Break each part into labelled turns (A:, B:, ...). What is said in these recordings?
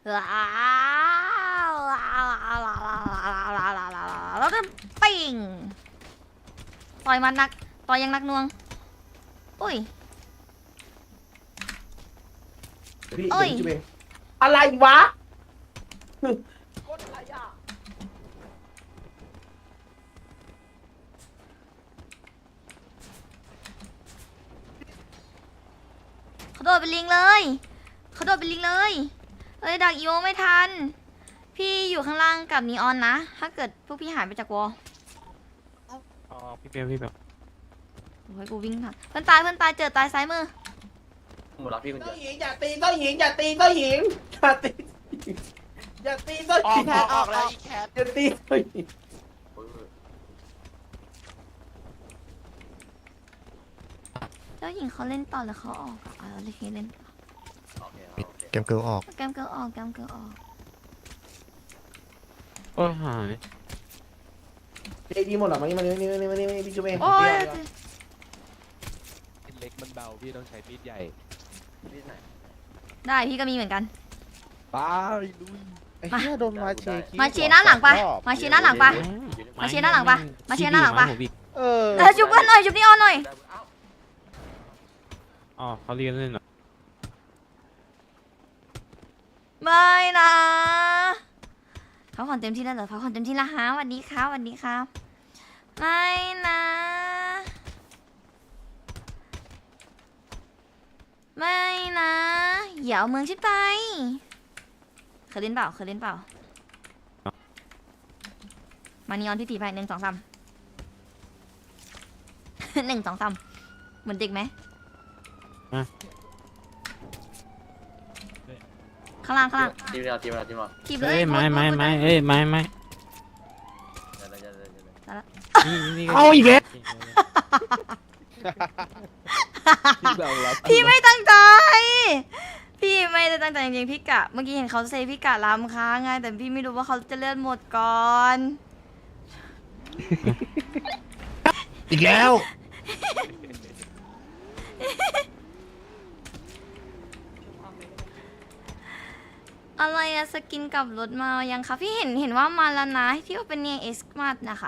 A: แล้วก็ปิ่งต่อยมันนักต่อยยังนักหน่วงอุ้ย
B: พี่
A: โอ้ย
B: จุ๊บเองอะไรวะกดอะไรอ่ะ
A: เขาโดดเป็นลิงเลยเขาโดดเป็นลิงเลยเอ้ยดักอีโมไม่ทันพี่อยู่ข้างล่างกับนีออนนะถ้าเกิดพวกพี่หายไปจากวอล
C: อ๋อพี่เบลพี่เบล
A: โอ้ยกูวิ่งทันเพื่อนตายเจอตายซ้ายมือ
B: หมดแล้วพี่คนเดียวอย่าตีเจ้าหญิงอย่าตีเจ้าหญิงอย่าตีอย่าตีเจ้าหญิงออกแล้วอีแคทอย่าตีเจ้าหญิง
A: เจ้าหญิงเขาเล่นต่อแล้วเขาออกอ่ะเราเล่นต่อ
D: เกมเกิร์ลออก
A: แกมเกิลออก
C: โอ้ยหาย
B: ไอ้ดีหมดหรอมานี่พี่จุ๊บเอง
A: โอ้ย
E: เล็กมันเบาพี่ต้องใช้มีดใหญ่
A: ได้พี่ก็มีเหมือนกัน
E: ไปลุยไอ้เหี้ยโดนมาเชคิ
A: มาเชียร์หน้าหลังปะมาเชียร์หน้าหลังปะ มาเชียร์หน้าหลังปะมาเชียร์หน้าหลังปะ
E: เออ
A: จุบเพื่อนหน่อยจุบนีออนหน่อย
C: อ๋อเขาเรียนเล่นเหรอ
A: ไม่นะพักผ่อนเต็มที่แล้วเหรอพักผ่อนเต็มที่แล้วฮะสวัสดีครับไม่นะไม่นะอย่าเอาเมืองชิดไปเคยเล่นเปล่ามานีออนพี่ตีไป1 2 3 1 2 3เหมือนเด็กไหมข้างล่าง
B: ทีมเรา
A: ทีบเล
C: เอ้
A: ย
C: ยไม่เอ้ยไม่นี่
E: เอาอีกแล้วที่เรารับ
A: พี่ไม่ตั้งใจพี่ไม่ได้ตั้งใจจริงๆพี่กะเมื่อกี้เห็นเขาเซพี่กะล้ำค้างไงแต่พี่ไม่รู้ว่าเขาจะเลื่อนหมดก่อน
D: อีกแล้ว
A: อะไรอะสกินกับรถมายังคะพี่เห็นว่ามาแล้วนะที่ว่าเป็นเนี่ย X Smart นะคะ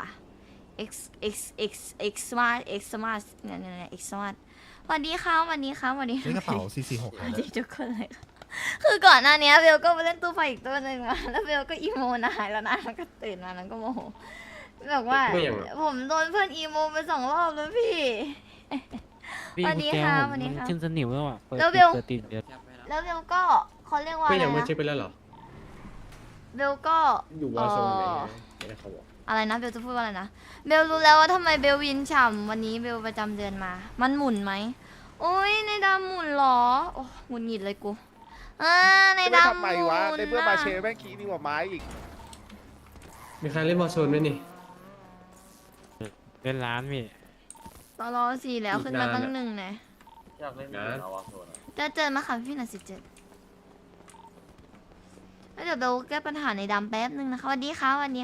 A: X Smart เนี่ย X Smart สวัสดีค่ะ
D: นี่กระเป๋า 446
A: สวัสดีทุกคนเลยค่ะคือก่อนหน้านี้เบลก็ไปเล่นตู้ไฟอีกตัวหนึ่งอะแล้วเบลก็อีโมนะแล้วนะแล้วก็ตื่นมาแล้วก็โมโหบอกว่าผมโดนเพื่อนอีโมไป2 รอบแล้วพี่
C: พี่
A: สวัสดี
C: กุญแจ
A: ค่ะ
C: ผม
A: สวัสดีค่ะ
C: ขึ้นสนิมแล้วอ่ะเปิด
A: แล้วเบล
C: ติดเดือด
A: แล้วเบลก็เขาเรียกว่าอะไรนะ
F: ไปแล้วเหรอ
A: เบลก็
F: อยู่วอร์โซนไหนไม่ได้เขาบอก
A: อะไรนะเบลจะพูดว่าอะไรนะเบลรู้แล้วว่าทำไมเบลวินฉ่ำวันนี้เบลประจำเดือนมามันหมุนไหมโอ้ยในดำหมุนเหรอโอ้หงุดหงิดเลยกูในดำห
E: ทำไม
A: มุน
E: วะในเมื่อมาเชแม่งขี้นี่กว่าไม้อีก
F: มีใครเล่นวอร์โซนไหมนี่
C: เป็นร้านพี่
A: ตลอสี่แล้วขึ้นมาตั้ง1นะ
B: อยากเล่นวอร์โซน
A: จะเจอมาค่ะพี่หน่อย17แล้วเดี๋ยวเบลแก้ปัญหาในดำแป๊บนึงนะคะสวัสดีค่ะ
E: หวาน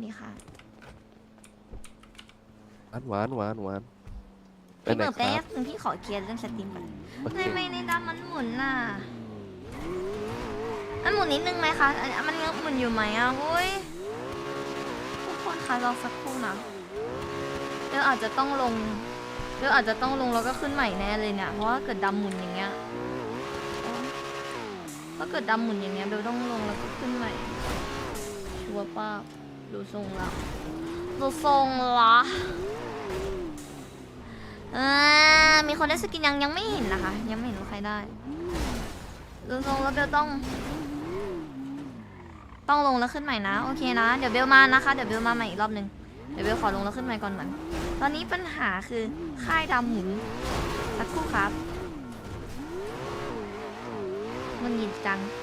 A: พี่เปิดแป๊บนึงพี่ขอเคลียร์เรื่องสตรีมก่อนไม่ในดำมันหมุนน่ะมันหมุนนิดนึงไหมคะมันยังหมุนอยู่ไหมอ่ะโอ้ยทุกคนคะรอสักครู่นะเดี๋ยวอาจจะต้องลงแล้วก็ขึ้นใหม่แน่เลยเนี่ยเพราะว่าเกิดดำหมุนอย่างเงี้ยถ้าเกิดดำหมุนอย่างเงี้ยเบลต้องลงแล้วก็ขึ้นใหม่ชัวร์ป้าดูทรงละมีคนได้สกินยังไม่เห็นนะคะยังไม่เห็นว่าใครได้ดูทรงแล้วเบลต้องลงแล้วขึ้นใหม่นะโอเคนะเดี๋ยวเบลมานะคะเดี๋ยวเบลมาใหม่อีกรอบนึงเดี๋ยวเบลขอลงแล้วขึ้นใหม่ก่อนเหมือนตอนนี้ปัญหาคือค่ายดำหมุนสักครู่ครับมันหยิบจัง